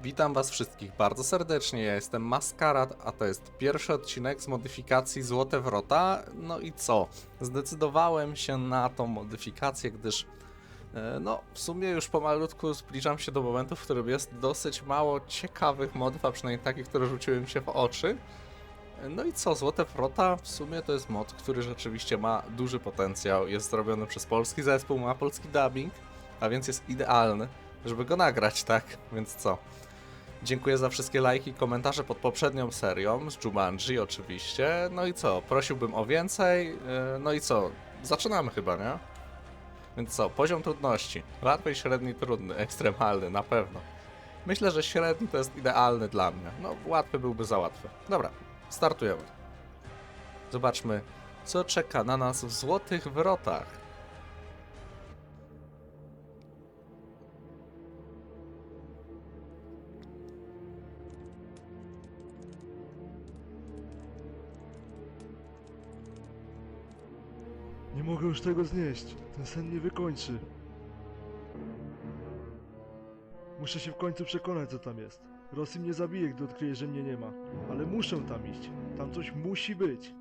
Witam was wszystkich bardzo serdecznie, ja jestem Maskarad, a to jest pierwszy odcinek z modyfikacji Złote Wrota. No i co? Zdecydowałem się na tą modyfikację, gdyż no, w sumie już pomalutku zbliżam się do momentu, w którym jest dosyć mało ciekawych modów, a przynajmniej takich, które rzuciły mi się w oczy. No i co? Złote Wrota w sumie to jest mod, który rzeczywiście ma duży potencjał, jest zrobiony przez polski zespół, ma polski dubbing, a więc jest idealny, żeby go nagrać, tak? Więc co? Dziękuję za wszystkie lajki i komentarze pod poprzednią serią z Jumanji oczywiście. No i co? Prosiłbym o więcej. No i co? Zaczynamy chyba, nie? Więc co? Poziom trudności. Łatwy, średni, trudny, ekstremalny, na pewno. Myślę, że średni to jest idealny dla mnie. No, łatwy byłby za łatwy. Dobra, startujemy. Zobaczmy, co czeka na nas w Złotych Wrotach. Nie mogę już tego znieść. Ten sen mnie wykończy. Muszę się w końcu przekonać, co tam jest. Rosji mnie zabije, gdy odkryje, że mnie nie ma. Ale muszę tam iść. Tam coś musi być.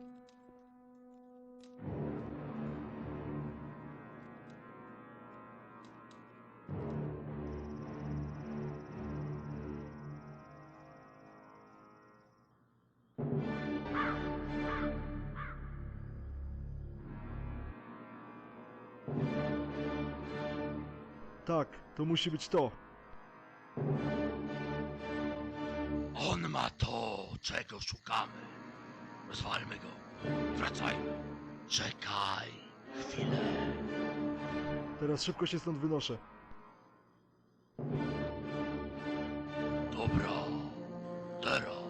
Tak, to musi być to. On ma to, czego szukamy. Rozwalmy go. Wracajmy. Czekaj chwilę. Teraz szybko się stąd wynoszę. Dobra. Teraz.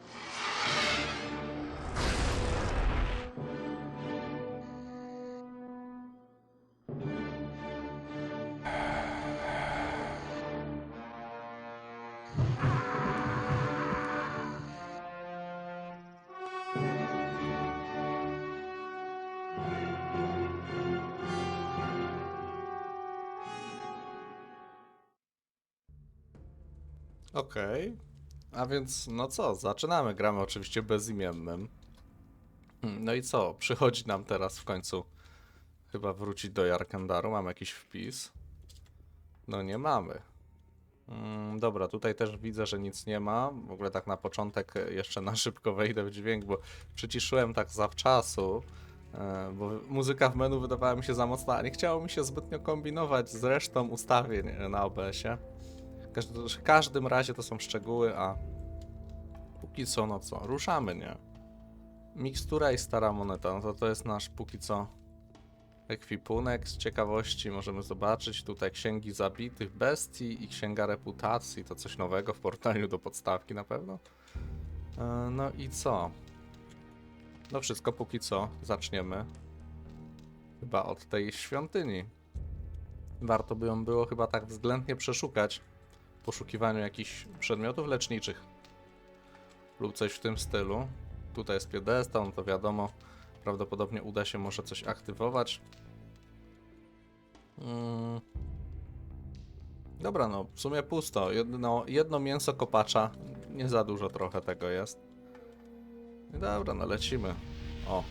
Okej. A więc, no co, zaczynamy. Gramy oczywiście bezimiennym. No i co? Przychodzi nam teraz w końcu chyba wrócić do Jarkandaru. Mamy jakiś wpis? No nie mamy. Dobra, tutaj też widzę, że nic nie ma. W ogóle tak na początek jeszcze na szybko wejdę w dźwięk, bo przyciszyłem tak zawczasu, bo muzyka w menu wydawała mi się za mocna, a nie chciało mi się zbytnio kombinować z resztą ustawień na OBS-ie. W każdym razie to są szczegóły, a póki co, no co, ruszamy, nie? Mikstura i stara moneta, no to jest nasz póki co ekwipunek. Z ciekawości możemy zobaczyć tutaj księgi zabitych bestii i księga reputacji, to coś nowego w porównaniu do podstawki na pewno. No i co? No wszystko póki co, zaczniemy chyba od tej świątyni. Warto by ją było chyba tak względnie przeszukać w poszukiwaniu jakichś przedmiotów leczniczych lub coś w tym stylu. Tutaj jest piedestał, no to wiadomo, prawdopodobnie uda się może coś aktywować. Dobra, no w sumie pusto. Jedno mięso kopacza, nie za dużo trochę tego jest. Dobra, no lecimy. O.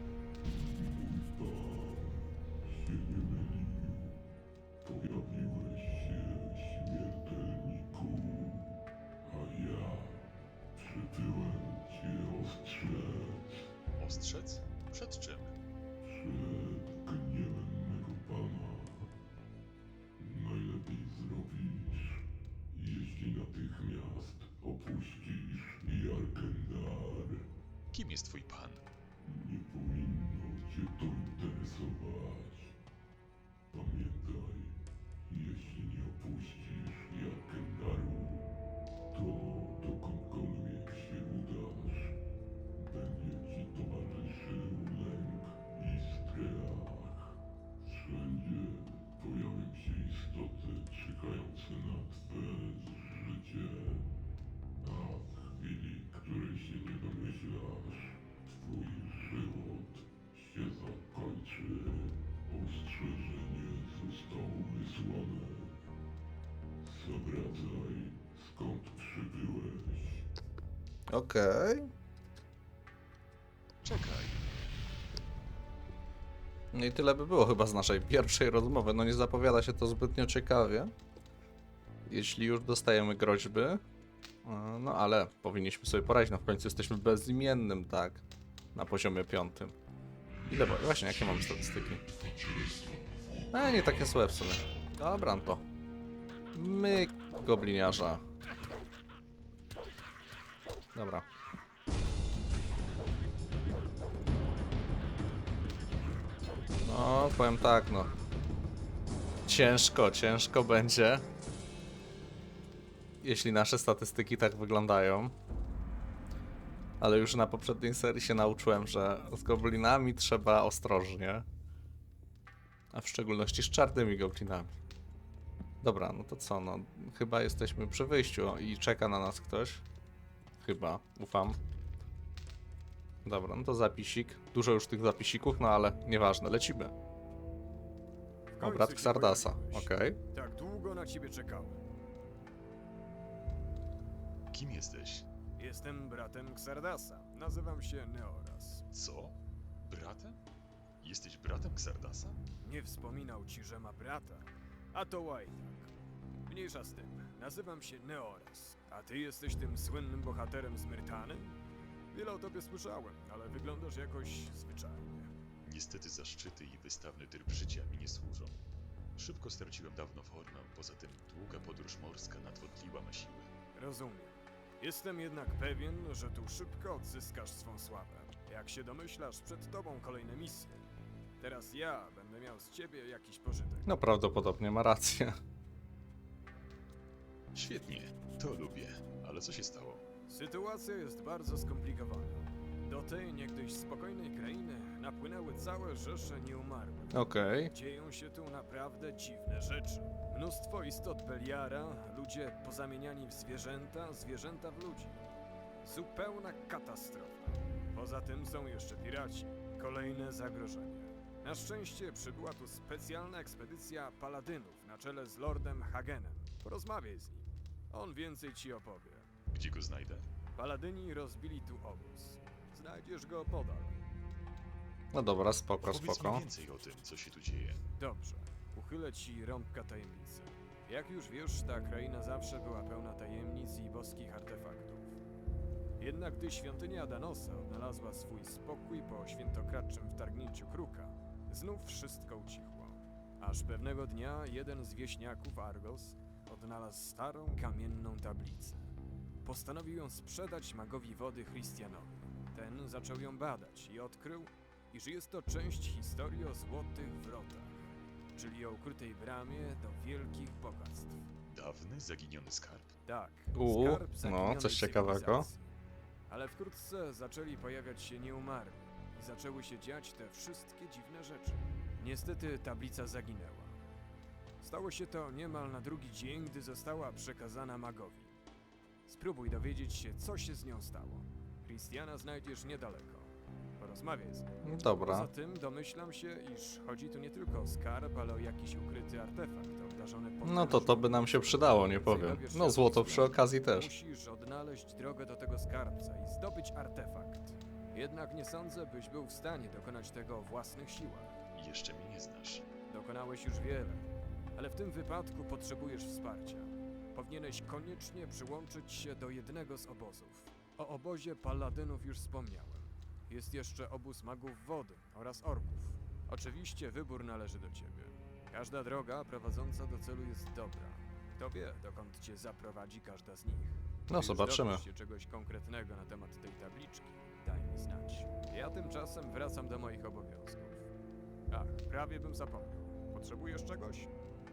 Pojawiłeś się, śmiertelniku, a ja przybyłem cię ostrzec Ostrzec? Przed czym? przed gniewem mego pana. Najlepiej zrobisz, jeśli natychmiast opuścisz Jarkendar. Kim jest twój pan? Nie powinno cię to interesować. Pamiętaj, jeśli nie opuścisz Jarkendaru, to dokądkolwiek się udasz, będzie ci towarzyszył lęk i strach. Wszędzie pojawią się istoty czekające na twe życie, a w chwili, której się nie domyślasz, twój żywot się zakończy. Ostrzeżenie zostało wysłane. Zawracaj, Okej. Czekaj. No i tyle by było chyba z naszej pierwszej rozmowy. No nie zapowiada się to zbytnio ciekawie. Jeśli już dostajemy groźby. No ale powinniśmy sobie poradzić. No w końcu jesteśmy bezimiennym, tak? Na poziomie 5. Ile właśnie, jakie mamy statystyki? Nie takie złe w sumie. Dobra, no to. My gobliniarza. Dobra. No, powiem tak, no. Ciężko będzie. Jeśli nasze statystyki tak wyglądają. Ale już na poprzedniej serii się nauczyłem, że z goblinami trzeba ostrożnie. A w szczególności z czarnymi goblinami. Dobra, no to co, no. Chyba jesteśmy przy wyjściu i czeka na nas ktoś. Chyba, ufam. Dobra, no to zapisik. Dużo już tych zapisików, no ale nieważne, lecimy. O, brat Xardasa, okej. Tak długo na ciebie czekałem. Kim jesteś? Jestem bratem Xardasa. Nazywam się Neoras. Co? Bratem? Jesteś bratem Xardasa? Nie wspominał ci, że ma brata. A to Łajdak. Mniejsza z tym. Nazywam się Neoras. A ty jesteś tym słynnym bohaterem z Myrtany? Wiele o tobie słyszałem, ale wyglądasz jakoś zwyczajnie. Niestety zaszczyty i wystawny tryb życia mi nie służą. Szybko straciłem dawno formę, poza tym długa podróż morska nadwodliła me siły. Rozumiem. Jestem jednak pewien, że tu szybko odzyskasz swą sławę. Jak się domyślasz, przed tobą kolejne misje. Teraz ja będę miał z ciebie jakiś pożytek. No prawdopodobnie ma rację. Świetnie, to lubię. Ale co się stało? Sytuacja jest bardzo skomplikowana. Do tej niegdyś spokojnej krainy napłynęły całe rzesze nieumarłych. Okej. Dzieją się tu naprawdę dziwne rzeczy. Mnóstwo istot Beliara, ludzie pozamieniani w zwierzęta, zwierzęta w ludzi. Zupełna katastrofa. Poza tym są jeszcze piraci. Kolejne zagrożenie. Na szczęście przybyła tu specjalna ekspedycja paladynów na czele z Lordem Hagenem. Porozmawiaj z nim. On więcej ci opowie. Gdzie go znajdę? Paladyni rozbili tu obóz. Znajdziesz go podal. No dobra, spoko, Powiedz mi spoko. więcej o tym, co się tu dzieje. Dobrze. Uchylę ci rąbka tajemnicy. Jak już wiesz, ta kraina zawsze była pełna tajemnic i boskich artefaktów. Jednak gdy świątynia Adanosa odnalazła swój spokój po świętokradczym wtargnięciu Kruka, znów wszystko ucichło. Aż pewnego dnia jeden z wieśniaków Argos odnalazł starą kamienną tablicę. Postanowił ją sprzedać magowi wody Christianowi. Ten zaczął ją badać i odkrył, iż jest to część historii o złotych wrotach, czyli o ukrytej bramie do wielkich bogactw. Dawny, zaginiony skarb? Tak, No, skarb zaginionej coś ciekawego. cywilizacji. Ale wkrótce zaczęli pojawiać się nieumarli i zaczęły się dziać te wszystkie dziwne rzeczy. Niestety tablica zaginęła. Stało się to niemal na drugi dzień, gdy została przekazana magowi. Spróbuj dowiedzieć się, co się z nią stało. Christiana znajdziesz niedaleko. Porozmawiaj z nim. Dobra. Poza tym domyślam się, iż chodzi tu nie tylko o skarb, ale o jakiś ukryty artefakt obdarzony No to by nam się przydało, nie powiem. No złoto przy okazji też. Musisz odnaleźć drogę do tego skarbca i zdobyć artefakt. Jednak nie sądzę, byś był w stanie dokonać tego o własnych siłach. Jeszcze mnie nie znasz. Dokonałeś już wiele, ale w tym wypadku potrzebujesz wsparcia. Powinieneś koniecznie przyłączyć się do jednego z obozów. O obozie paladynów już wspomniałem. Jest jeszcze obóz magów wody oraz orków. Oczywiście wybór należy do ciebie. Każda droga prowadząca do celu jest dobra. Kto wie, dokąd cię zaprowadzi każda z nich. No Gdy już zobaczymy. dowiesz się czegoś konkretnego na temat tej tabliczki, daj mi znać. Ja tymczasem wracam do moich obowiązków. Ach, prawie bym zapomniał. Potrzebujesz czegoś?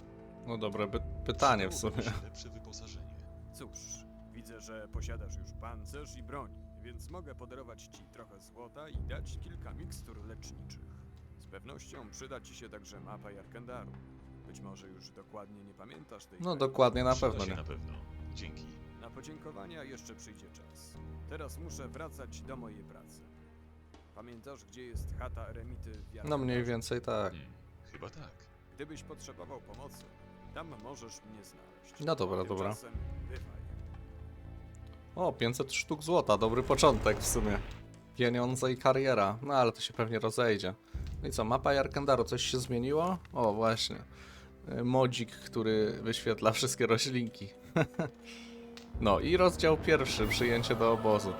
No dobre pytanie w Przydałoby sumie. mi się lepsze wyposażenie. Cóż, widzę, że posiadasz już pancerz i broń, więc mogę podarować ci trochę złota i dać kilka mikstur leczniczych. Z pewnością przyda ci się także mapa Jarkendaru. Być może już dokładnie nie pamiętasz tej No krainy. dokładnie na Przyda pewno się nie. na pewno. Dzięki. Na podziękowania jeszcze przyjdzie czas. Teraz muszę wracać do mojej pracy. Pamiętasz, gdzie jest chata eremity w No Jarkendarze? mniej więcej tak. Chyba tak. Gdybyś potrzebował pomocy, tam możesz mnie znaleźć. No dobra, dobra. Tymczasem bywaj. O, 500 sztuk złota, dobry początek w sumie. Pieniądze i kariera, no ale to się pewnie rozejdzie. No i co, mapa Jarkendaru, coś się zmieniło? O, właśnie. Modzik, który wyświetla wszystkie roślinki. No i rozdział pierwszy, przyjęcie do obozu.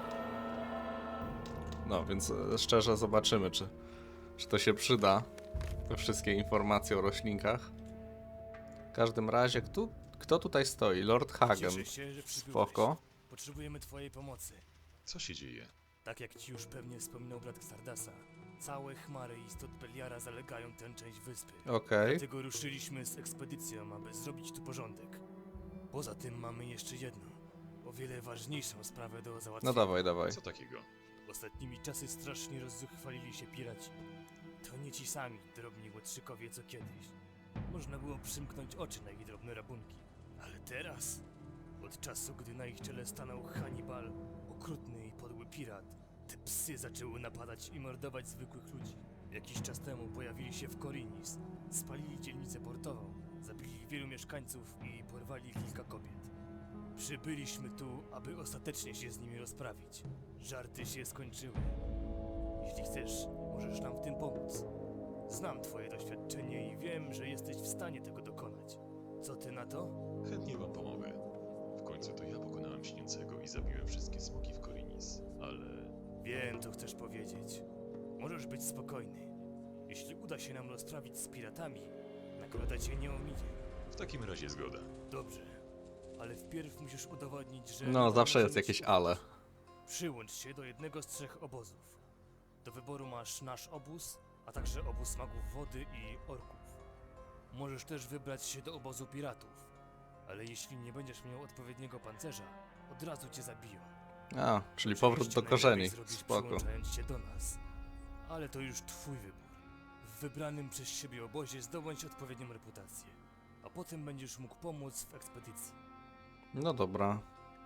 No, więc szczerze zobaczymy, czy to się przyda, te wszystkie informacje o roślinkach. W każdym razie, kto tutaj stoi? Lord Hagen. Cieszę się, że przybyłeś. Spoko. Potrzebujemy twojej pomocy. Co się dzieje? Tak jak ci już pewnie wspominał brat Xardasa, całe chmary istot Beliara zalegają tę część wyspy. Okej. Dlatego ruszyliśmy z ekspedycją, aby zrobić tu porządek. Poza tym mamy jeszcze jedną, o wiele ważniejszą sprawę do No załatwienia. dawaj, dawaj. Co takiego? Ostatnimi czasy strasznie rozzuchwalili się piraci. To nie ci sami drobni łotrzykowie co kiedyś. Można było przymknąć oczy na ich drobne rabunki. Ale teraz, od czasu gdy na ich czele stanął Hannibal, okrutny i podły pirat, te psy zaczęły napadać i mordować zwykłych ludzi. Jakiś czas temu pojawili się w Korinis, spalili dzielnicę portową, zabili wielu mieszkańców i porwali kilka kobiet. Przybyliśmy tu, aby ostatecznie się z nimi rozprawić. Żarty się skończyły. Jeśli chcesz, możesz nam w tym pomóc. Znam twoje doświadczenie i wiem, że jesteś w stanie tego dokonać. Co ty na to? Chętnie wam pomogę. W końcu to ja pokonałem śniącego i zabiłem wszystkie smoki w Korinis, ale... Wiem, co chcesz powiedzieć. Możesz być spokojny. Jeśli uda się nam rozprawić z piratami, nagroda cię nie ominie. W takim razie zgoda. Dobrze, ale wpierw musisz udowodnić, że... No, zawsze jest możemy ci jakieś ale. ufać. Przyłącz się do jednego z 3 obozów. Do wyboru masz nasz obóz, a także obóz magów wody i orków. Możesz też wybrać się do obozu piratów, ale jeśli nie będziesz miał odpowiedniego pancerza, od razu cię zabiją. A, czyli powrót Oczywiście do korzeni. najlepiej zrobisz, Spoko. przyłączając się do nas. Ale to już twój wybór. W wybranym przez siebie obozie zdobądź odpowiednią reputację, a potem będziesz mógł pomóc w ekspedycji. No dobra.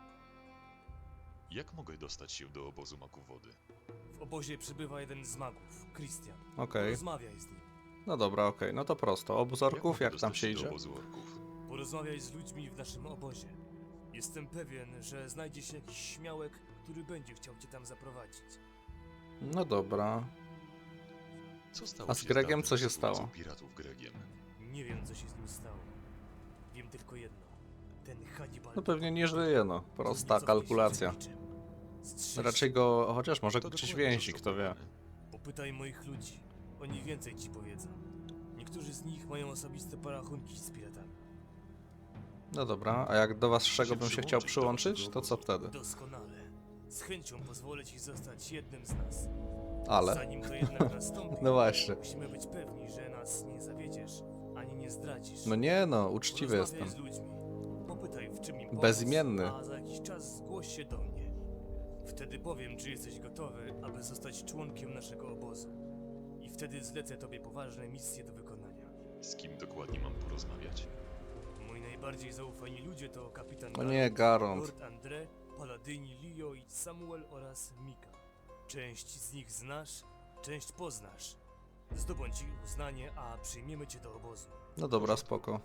Jak mogę dostać się do obozu maków wody? W obozie przybywa jeden z magów, Christian. Okej. Rozmawiaj z nim. No dobra, okej. No to prosto. Obóz orków, mogę jak tam dostać się do idzie? obozu orków? Porozmawiaj z ludźmi w naszym obozie. Jestem pewien, że znajdzie się jakiś śmiałek, który będzie chciał cię tam zaprowadzić. No dobra. Co stało A z się Gregiem dawnym co się zabójcą stało? piratów Gregiem? Nie wiem, co się z nim stało. Wiem tylko jedno. Ten Hannibal... No pewnie nie żyje, no. Prosta Cofnie się kalkulacja. przed niczym. Strzeż Raczej go... Chociaż może To gdzieś dokładnie więzi, to, co kto wie. powiemy. Popytaj moich ludzi. Oni więcej ci powiedzą. Niektórzy z nich mają osobiste porachunki z piratami. No dobra, a jak do was czego Się bym się chciał przyłączyć do przyłączyć, to co wtedy? Doskonale. Z chęcią pozwolę ci zostać jednym z nas. Ale... Zanim to jednak nastąpi, No właśnie. musimy być pewni, że nas nie zawiedziesz, ani nie zdradzisz. No nie no, uczciwy Porozmawiaj jestem. z ludźmi. Popytaj, w czym im pomóc, Bezimienny. a za jakiś czas zgłoś się do mnie. Wtedy powiem, czy jesteś gotowy, aby zostać członkiem naszego obozu. I wtedy zlecę tobie poważne misje do wykonania. Z kim dokładnie mam porozmawiać? Moi najbardziej zaufani ludzie to kapitan No nie, Garond. Lord André, Paladyni Leo i Samuel oraz Mika. Część z nich znasz, część poznasz. Zdobądź ich uznanie, a przyjmiemy cię do obozu. No dobra, spoko.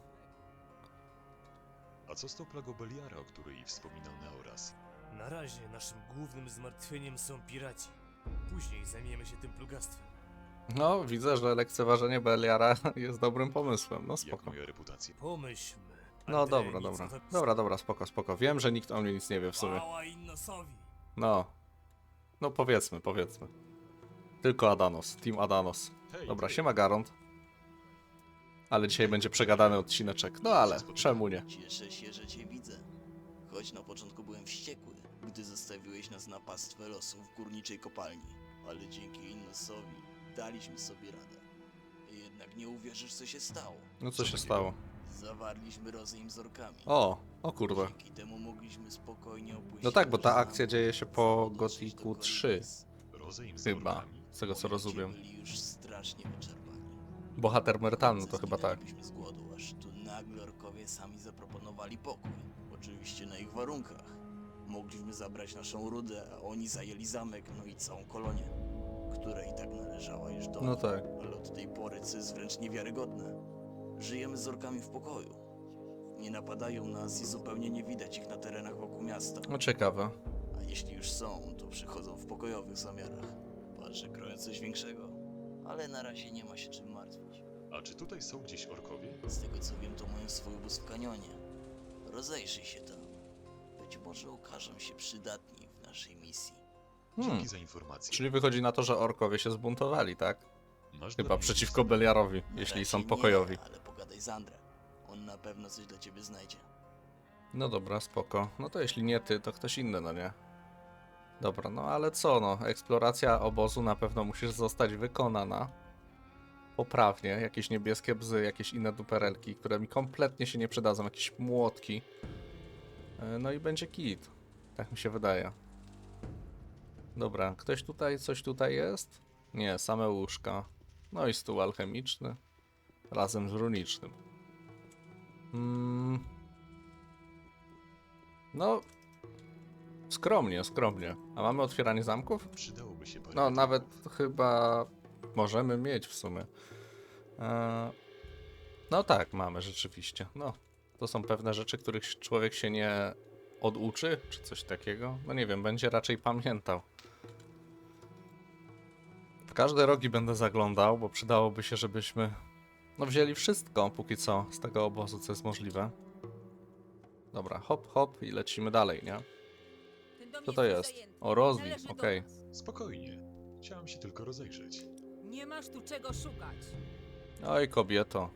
A co z tą plagą Beliara, o której wspominał Neoras? Na razie naszym głównym zmartwieniem są piraci. Później zajmiemy się tym plugastwem. No, widzę, że lekceważenie Beliara jest dobrym pomysłem. No Jak spoko. moja reputacja? Pomyślmy. No André dobra, nic dobra. o tobie- Dobra, dobra, spoko, spoko. Wiem, że nikt o mnie nic nie wie w sumie. Chwała Innosowi. No. No powiedzmy. Tylko Adanos, Team Adanos. Hej, Dobra, ty. siema Garond. Ale dzisiaj będzie przegadany odcineczek. No ale, czemu nie? Cieszę się, że cię widzę. Choć na początku byłem wściekły, gdy zostawiłeś nas na pastwę losu w górniczej kopalni. Ale dzięki Innosowi daliśmy sobie radę. Jednak nie uwierzysz, co się stało. No co Co się takiego? stało? Zawarliśmy rozejm z orkami. O kurde. Dzięki temu mogliśmy spokojnie opuścić... No tak, bo ta nasz akcja zamek dzieje się i po dotrzeć Gothicu do 3. Korinis. Rozejm z Chyba, orkami? z tego co Powiedzcie, rozumiem. byli już strasznie wyczerpani. Bohater Mertanu to chyba tak. Zginęliśmy z głodu, aż tu nagle orkowie sami zaproponowali pokój. Oczywiście na ich warunkach. Mogliśmy zabrać naszą rudę, a oni zajęli zamek, no i całą kolonię, która i tak należała już do No nich. tak. Ale od tej pory, co jest wręcz niewiarygodne, żyjemy z orkami w pokoju. Nie napadają nas i zupełnie nie widać ich na terenach wokół miasta. No ciekawe. są, to przychodzą w pokojowych zamiarach. Patrzę, kroję coś większego. Ale na razie nie ma się czym martwić. A czy tutaj są gdzieś orkowie? Z tego co wiem, to mają swój obóz w kanionie. Rozejrzyj się tam. Być może okażą się przydatni w naszej misji. Dzięki za informację. Czyli wychodzi na to, że orkowie się zbuntowali, tak? Masz Chyba dla mnie przeciwko Beliarowi, Na jeśli razie są nie, pokojowi. ale pogadaj z Andrem. On na pewno coś dla ciebie znajdzie. No dobra, spoko. No to jeśli nie ty, to ktoś inny, no nie? Dobra, no ale co no, eksploracja obozu na pewno musi zostać wykonana poprawnie. Jakieś niebieskie bzy, jakieś inne duperelki, które mi kompletnie się nie przydadzą, jakieś młotki. No i będzie kit. Tak mi się wydaje. Dobra, ktoś tutaj, coś tutaj jest? Nie, same łóżka. No i stół alchemiczny. Razem z runicznym. No, skromnie, skromnie. A mamy otwieranie zamków? Przydałoby się parę No, rytuałów. nawet chyba możemy mieć w sumie. No tak, mamy rzeczywiście. No, to są pewne rzeczy, których człowiek się nie oduczy, czy coś takiego. No nie wiem, będzie raczej pamiętał. W każde rogi będę zaglądał, bo przydałoby się, żebyśmy no wzięli wszystko, póki co, z tego obozu, co jest możliwe. Dobra, hop, hop i lecimy dalej, nie? Co to jest? O, Rosli, okej. Spokojnie. Chciałem się tylko rozejrzeć. Nie masz tu czego szukać. Oj, kobieto.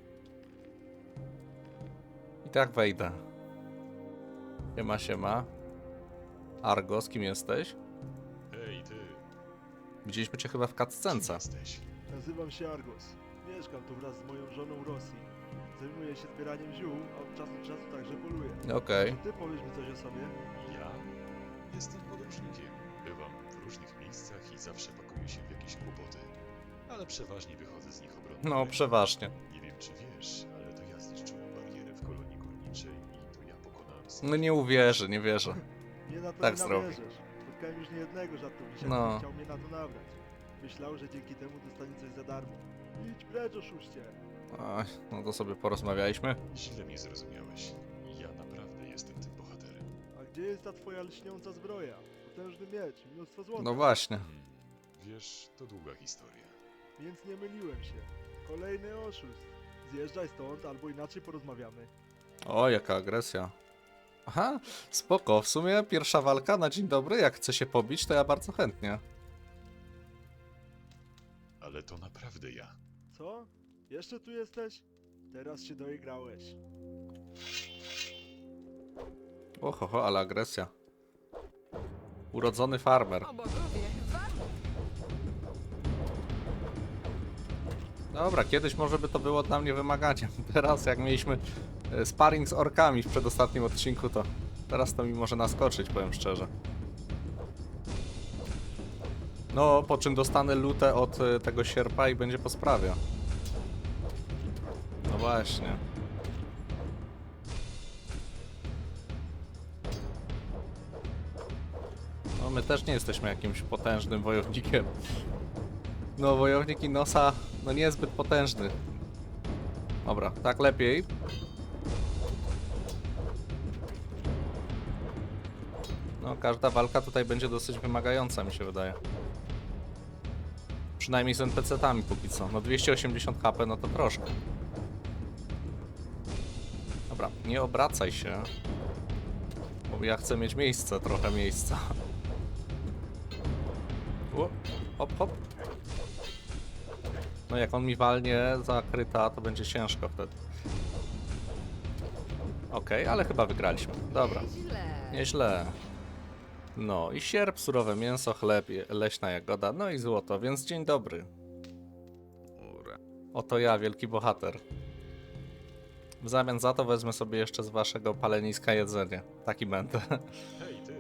I tak wejdę. Siema, siema. Argo, z kim jesteś? Hej, ty. Widzieliśmy cię chyba w Kim cutscence. jesteś? Nazywam się Argos. Mieszkam tu wraz z moją żoną Rosji. Zajmuję się zbieraniem ziół, a od czasu do czasu także poluję. Okej. Czy ty powiesz mi coś o sobie? Ja? Jestem podróżnikiem. Bywam w różnych miejscach i zawsze pakuję się w jakieś kłopoty. Ale przeważnie wychodzę z nich obronny. No, przeważnie. Nie wiem, czy wiesz, ale to ja zniszczyłem barierę w kolonii górniczej i to ja pokonałem No nie uwierzę, nie wierzę. Nie na to Tak nie zrobi. nabierzesz. Spotkałem już niejednego żartownika, No. który chciał mnie na to nabrać. Myślał, że dzięki temu dostanie coś za darmo. Idź precz, oszuście! Oj, no to sobie porozmawialiśmy. Źle mnie zrozumiałeś. Ja naprawdę jestem tym bohaterem. A gdzie jest ta twoja lśniąca zbroja? Potężny miecz, mnóstwo złota. No właśnie. Wiesz, to długa historia. Więc nie myliłem się. Kolejny oszust. Zjeżdżaj stąd, albo inaczej porozmawiamy. O, jaka agresja. Aha, spoko. W sumie pierwsza walka na dzień dobry. Jak chce się pobić, to ja bardzo chętnie. Ale to naprawdę ja. Co? Jeszcze tu jesteś? Teraz się doigrałeś. Ohoho, ale agresja. Urodzony farmer. O bogowie, warto. Dobra, kiedyś może by to było dla mnie wymaganiem. Teraz jak mieliśmy sparring z orkami w przedostatnim odcinku, to teraz to mi może naskoczyć, powiem szczerze. No, po czym dostanę lutę od tego sierpa i będzie po sprawie. No właśnie. No, my też nie jesteśmy jakimś potężnym wojownikiem. No, wojownik Inosa, no niezbyt potężny. Dobra, tak lepiej. No, każda walka tutaj będzie dosyć wymagająca, mi się wydaje. Przynajmniej z NPC-tami póki co. No 280 HP, no to troszkę. Dobra, nie obracaj się. Bo ja chcę mieć miejsce, trochę miejsca. O, hop, hop. No jak on mi walnie za kryta, to będzie ciężko wtedy. Okej, ale chyba wygraliśmy. Dobra, Źle. nieźle. No i sierp, surowe mięso, chleb, leśna jagoda, no i złoto, więc dzień dobry. Oto ja, wielki bohater. W zamian za to wezmę sobie jeszcze z waszego paleniska jedzenie. Taki będę. Hej, ty!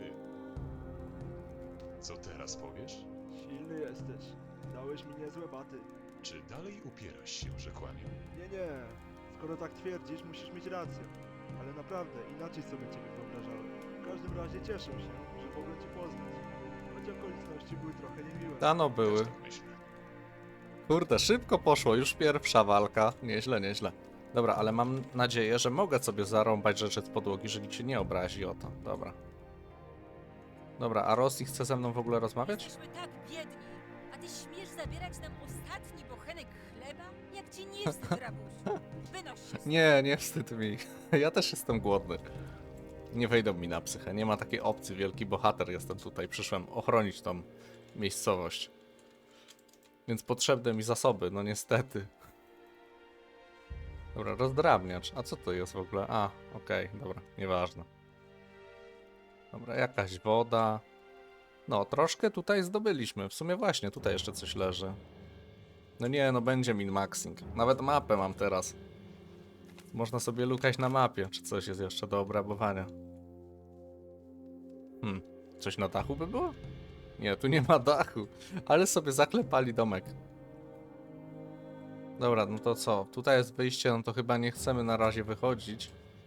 Co teraz powiesz? Silny jesteś. Dałeś mi niezłe baty. Czy dalej upierasz się, że kłamię? Nie. Skoro tak twierdzisz, musisz mieć rację. Ale naprawdę, inaczej sobie ciebie wyobrażałem. W każdym razie cieszę się, że mogłem cię poznać. Choć okoliczności były trochę niemiłe. Dano były. Też tak myślę. Kurde, szybko poszło, już pierwsza walka. Nieźle, nieźle. Dobra, ale mam nadzieję, że mogę sobie zarąbać rzeczy z podłogi, że nikt się nie obrazi o to. Dobra. Dobra, a Rosji chce ze mną w ogóle rozmawiać? Jesteśmy tak biedni, a ty śmiesz zabierać nam ostatni bochenek chleba? Jak ci nie wstyd, rabusiu? Wynoś się stąd. Nie wstyd mi. Ja też jestem głodny. Nie wejdą mi na psychę. Nie ma takiej opcji. Wielki bohater jestem tutaj. Przyszłem ochronić tą miejscowość. Więc potrzebne mi zasoby, no niestety. Dobra, rozdrabniacz. A co to jest w ogóle? A, okej, dobra, nieważne. Dobra, jakaś woda. No, troszkę tutaj zdobyliśmy. W sumie właśnie, tutaj jeszcze coś leży. No nie, no będzie min-maxing. Nawet mapę mam teraz. Można sobie lukać na mapie, czy coś jest jeszcze do obrabowania. Coś na dachu by było? Nie, tu nie ma dachu. Ale sobie zaklepali domek. Dobra, no to co? Tutaj jest wyjście, no to chyba nie chcemy na razie wychodzić.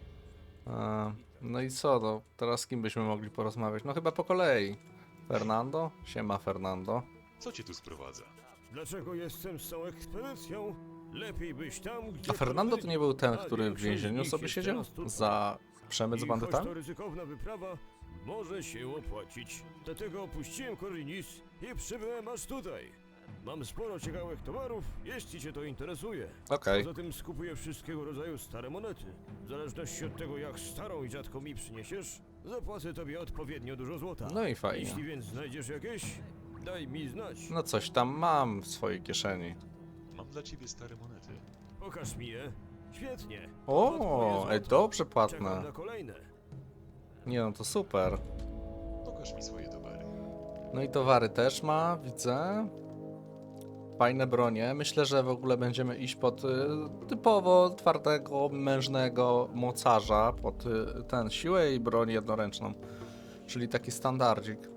No i co? No, teraz z kim byśmy mogli porozmawiać? No chyba po kolei. Fernando? Siema, Fernando. Co cię tu sprowadza? Dlaczego jestem z tą ekspedycją? Lepiej być tam, gdzie... A Fernando to nie był ten, A który w większość z więzieniu nich sobie jest siedział? teraz tutaj. Za przemyt z I choć bandytami? to ryzykowna wyprawa, może się opłacić. Dlatego opuściłem Korinis i przybyłem aż tutaj. Mam sporo ciekawych towarów, jeśli cię to interesuje. Okej. Poza tym skupuję wszystkiego rodzaju stare monety. W zależności od tego, jak starą i rzadką mi przyniesiesz, zapłacę tobie odpowiednio dużo złota. No i fajnie. Jeśli więc znajdziesz jakieś, daj mi znać. No coś tam mam w swojej kieszeni. Mam dla ciebie stare monety. Pokaż mi je. Świetnie. To twoje O, złoto. ej, dobrze Czekam płatne. na kolejne. Nie no, to super. Pokaż mi swoje towary. No i towary też ma, widzę. Fajne bronie. Myślę, że w ogóle będziemy iść pod typowo twardego, mężnego mocarza. Pod ten siłę i broń jednoręczną. Czyli taki standardzik.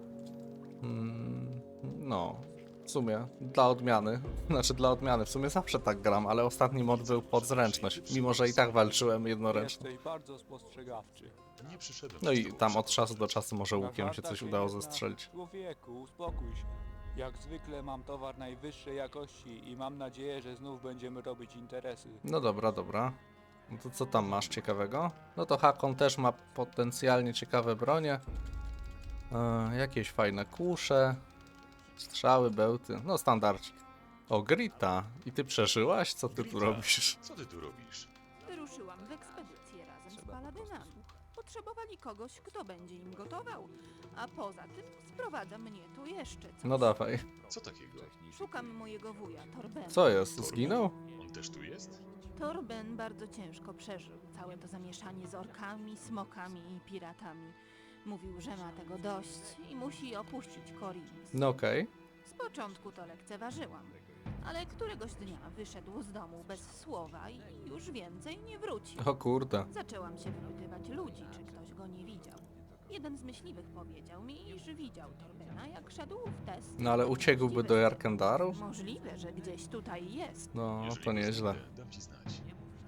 No, w sumie dla odmiany. Znaczy dla odmiany, w sumie zawsze tak gram, ale ostatni mod był pod zręczność. Mimo, że i tak walczyłem jednoręcznie. Jesteś bardzo spostrzegawczy. Nie przyszedłem No z i tobą tam od przeprosić. czasu do czasu może łukiem się Zażarta coś się udało nie zna. zestrzelić. Człowieku, uspokój się. Jak zwykle mam towar najwyższej jakości i mam nadzieję, że znów będziemy robić interesy. No dobra, dobra. No to co tam masz ciekawego? No to Hakon też ma potencjalnie ciekawe bronie. Jakieś fajne kusze. Strzały, bełty. No standardzik. O, Grita. I ty przeżyłaś? Co ty tu Grita, robisz? Co ty tu robisz? Wyruszyłam w ekspedycję razem z paladynami. Potrzebowali kogoś, kto będzie im gotował. A poza tym sprowadza mnie tu jeszcze coś. No dawaj. Co takiego? Szukam mojego wuja, Torbena. Co jest? Zginął? On też tu jest? Torben bardzo ciężko przeżył całe to zamieszanie z orkami, smokami i piratami. Mówił, że ma tego dość i musi opuścić Korinis. No okej. Z początku to lekceważyłam, ale któregoś dnia wyszedł z domu bez słowa i już więcej nie wrócił. O kurde. Zaczęłam się wypytywać ludzi, czy ktoś go nie widział. Jeden z myśliwych powiedział mi, iż widział Torbena, jak szedł w test. No ale uciekłby do Jarkendaru? Możliwe, że gdzieś tutaj jest. No, Jeżeli to go nieźle. znajdę, dam ci znać.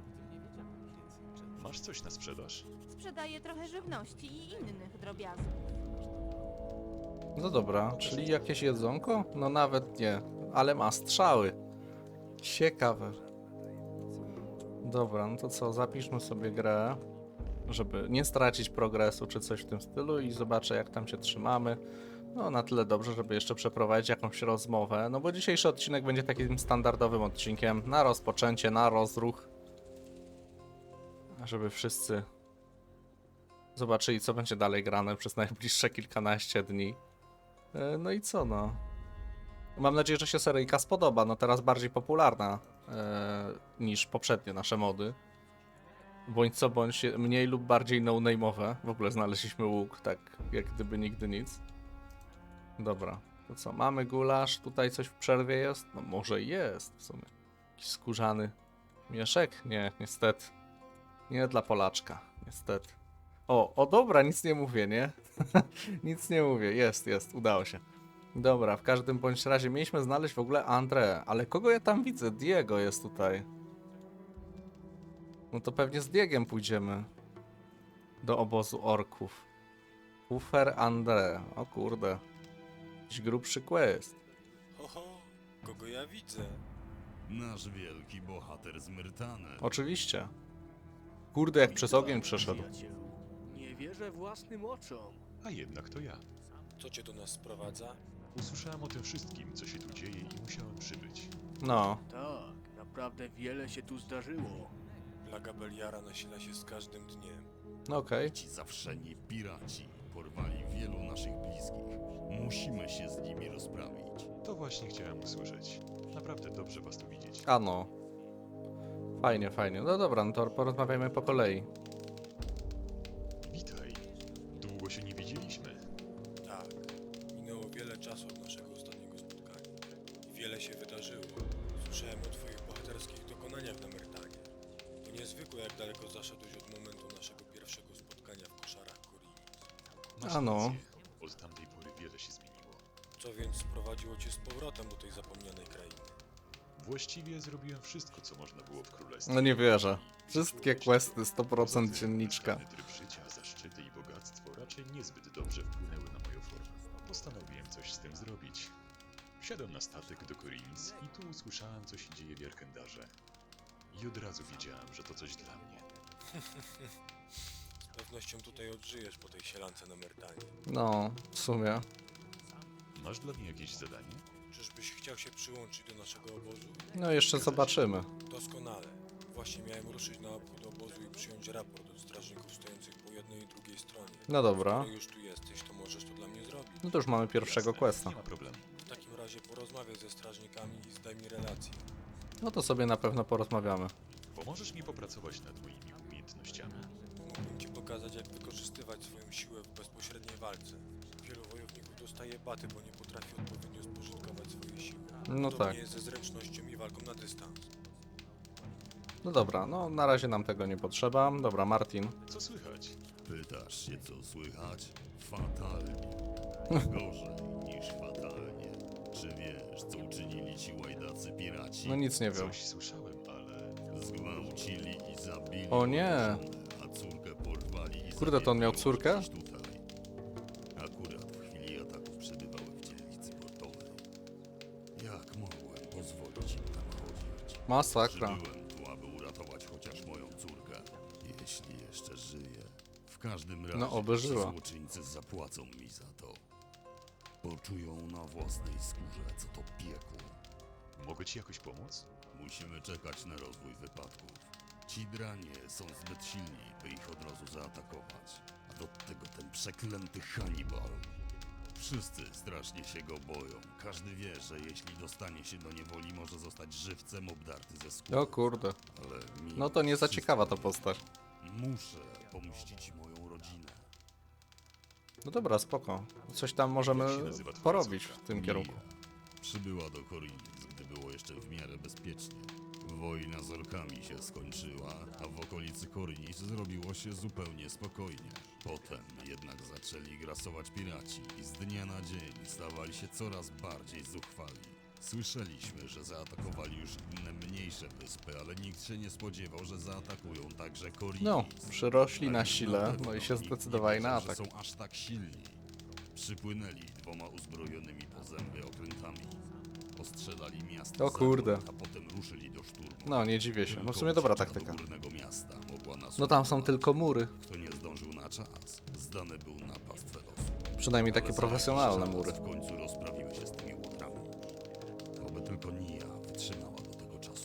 Masz coś na sprzedaż? Sprzedaje trochę żywności i innych drobiazgów. No dobra, czyli jakieś jedzonko? No nawet nie, ale ma strzały. Ciekawe. Dobra, no to co, zapiszmy sobie grę, żeby nie stracić progresu czy coś w tym stylu i zobaczę jak tam się trzymamy. No na tyle dobrze, żeby jeszcze przeprowadzić jakąś rozmowę, no bo dzisiejszy odcinek będzie takim standardowym odcinkiem na rozpoczęcie, na rozruch. Żeby wszyscy zobaczyli co będzie dalej grane przez najbliższe kilkanaście dni. No i co no? Mam nadzieję, że się seryjka spodoba. No teraz bardziej popularna niż poprzednie nasze mody. Bądź co bądź mniej lub bardziej no-name'owe. W ogóle znaleźliśmy łuk, tak jak gdyby nigdy nic. Dobra, to co? Mamy gulasz, tutaj coś w przerwie jest? No może jest w sumie. Jakiś skórzany mieszek? Nie, niestety. Nie dla Polaczka, niestety. O dobra, nic nie mówię, nie? Nic nie mówię, jest, udało się. Dobra, w każdym bądź razie mieliśmy znaleźć w ogóle André, ale kogo ja tam widzę? Diego jest tutaj. No to pewnie z Diegiem pójdziemy do obozu orków. Ufer André, o kurde. Jakiś grubszy quest. Oho, kogo ja widzę? Nasz wielki bohater z Myrtany. Oczywiście. Kurde, jak przez ogień przeszedł. Nie wierzę własnym oczom. A jednak to ja. Co cię do nas sprowadza? Usłyszałem o tym wszystkim, co się tu dzieje i musiałem przybyć. No, Tak, naprawdę wiele się tu zdarzyło. Plaga Beliara nasila się z każdym dniem. no okej. Ci zawszeni piraci porwali wielu naszych bliskich. Musimy się z nimi rozprawić. To właśnie chciałem usłyszeć. Naprawdę dobrze was tu widzieć. A no. Fajnie, fajnie. No dobra, no to porozmawiajmy po kolei. Witaj. Długo się nie widzieliśmy. Tak, minęło wiele czasu od naszego ostatniego spotkania. I wiele się wydarzyło. Słyszałem o twoich bohaterskich dokonaniach na Myrtanie. To niezwykłe, jak daleko zaszedłeś od momentu naszego pierwszego spotkania w koszarach Korinis. Masz A no. rację. Od tamtej pory wiele się zmieniło. Co więc sprowadziło cię z powrotem do tej zapomnianej krainy? Właściwie zrobiłem wszystko, co można było w królestwie. No nie wierzę. Wszystkie questy, Poza 100% tym, dzienniczka. wybrany tryb życia, zaszczyty i bogactwo raczej niezbyt dobrze wpłynęły na moją formę. Postanowiłem coś z tym zrobić. Wsiadłem na statek do Korinis i tu usłyszałem, co się dzieje w Jarkendarze. I od razu wiedziałem, że to coś dla mnie. Z pewnością tutaj odżyjesz po tej sielance na Myrtanie. No, w sumie. Masz dla mnie jakieś zadanie? Czyżbyś chciał się przyłączyć do naszego obozu? No jeszcze zobaczymy. Doskonale. Właśnie miałem ruszyć na obchód obozu i przyjąć raport od strażników stojących po jednej i drugiej stronie. No dobra. Skoro już tu jesteś, to możesz to dla mnie zrobić. No to już mamy pierwszego Jasne, questa. Nie ma problemu. W takim razie porozmawiaj ze strażnikami i zdaj mi relację. No to sobie na pewno porozmawiamy. Pomożesz mi popracować nad moimi umiejętnościami? Mógłbym ci pokazać, jak wykorzystywać swoją siłę w bezpośredniej walce. Wielu wojowników dostaje baty, bo nie potrafi odpowiednio spożytkować swojej siły. No Podobnie tak. jest ze zręcznością i walką na dystans. No dobra, no na razie nam tego nie potrzeba. Dobra, Martin. Co słychać? Pytasz się, co słychać? Fatalnie. Gorzej niż fatalnie. Czy wiesz, co uczynili ci łajdacy piraci? No nic nie wiem. Coś słyszałem, ale... Zgwałcili i zabili O nie. moją żonę, a córkę porwali i Kurde, to on miał zabiegli córkę? gdzieś tutaj. Akurat w chwili ataku przebywały w dzielnicy portowej. Jak mogłem pozwolić im tam chodzić? Masakra. Przybyłem tu, aby uratować chociaż moją córkę. Jeśli jeszcze żyje. W każdym razie No, oby żyła. ci złoczyńcy zapłacą mi za to. Poczują na własnej skórze, co to piekło. Mogę ci jakoś pomóc? Musimy czekać na rozwój wypadków. Ci dranie są zbyt silni, by ich od razu zaatakować. A do tego ten przeklęty Hannibal. Wszyscy strasznie się go boją. Każdy wie, że jeśli dostanie się do niewoli, może zostać żywcem obdarty ze skóry. O kurde. Ale mimo No to nie za wszystko ciekawa ta postać. Muszę pomścić moją rodzinę. No dobra, spoko. Coś tam możemy Jak się nazywa twoja porobić córka? w tym kierunku. Przybyła do Korinis, gdy było jeszcze w miarę bezpiecznie. Wojna z orkami się skończyła, a w okolicy Korinis zrobiło się zupełnie spokojnie. Potem jednak zaczęli grasować piraci i z dnia na dzień stawali się coraz bardziej zuchwali. Słyszeliśmy, że zaatakowali już inne mniejsze wyspy, ale nikt się nie spodziewał, że zaatakują także Korinis. No, przyrośli na Ale sile, pewno no i się nikt nie zdecydowali na wiedział, że atak. są aż tak silni. Przypłynęli 2 uzbrojonymi po zęby okrętami. Ostrzelali miasto O za kurde. mur, a potem ruszyli do szturmu. No, nie dziwię się. No w Tylko sumie dobra ucieczka taktyka. do górnego miasta mogła nas No tam są uratować. tylko mury. Kto nie zdążył na czas, zdany był na pastwę losu. Przynajmniej Ale takie za profesjonalne jakiś mury. czas w końcu rozprawiły się z tymi łotrami. Oby tylko Nia wytrzymała do tego czasu.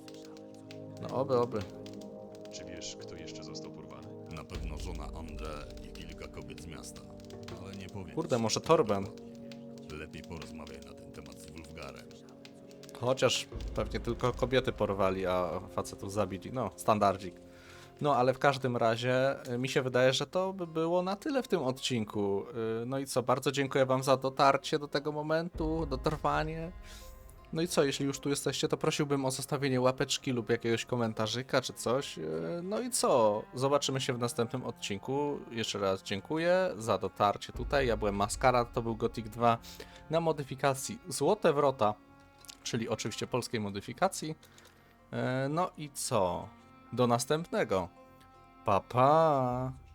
No oby, oby. Czy wiesz, kto jeszcze został porwany? Na pewno żona André i kilka kobiet z miasta. Ale nie powiem. Kurde, ci może tego Torben. dokładnie. Lepiej porozmawiaj na ten temat z Wulfgarem. Chociaż pewnie tylko kobiety porwali, a facetów zabili. No, standardzik. No, ale w każdym razie mi się wydaje, że to by było na tyle w tym odcinku. No i co, bardzo dziękuję wam za dotarcie do tego momentu, dotrwanie. No i co, jeśli już tu jesteście, to prosiłbym o zostawienie łapeczki lub jakiegoś komentarzyka czy coś. No i co, zobaczymy się w następnym odcinku. Jeszcze raz dziękuję za dotarcie tutaj. Ja byłem Maskara, to był Gothic 2 na modyfikacji Złote Wrota, czyli oczywiście polskiej modyfikacji. No i co? Do następnego. Pa, pa!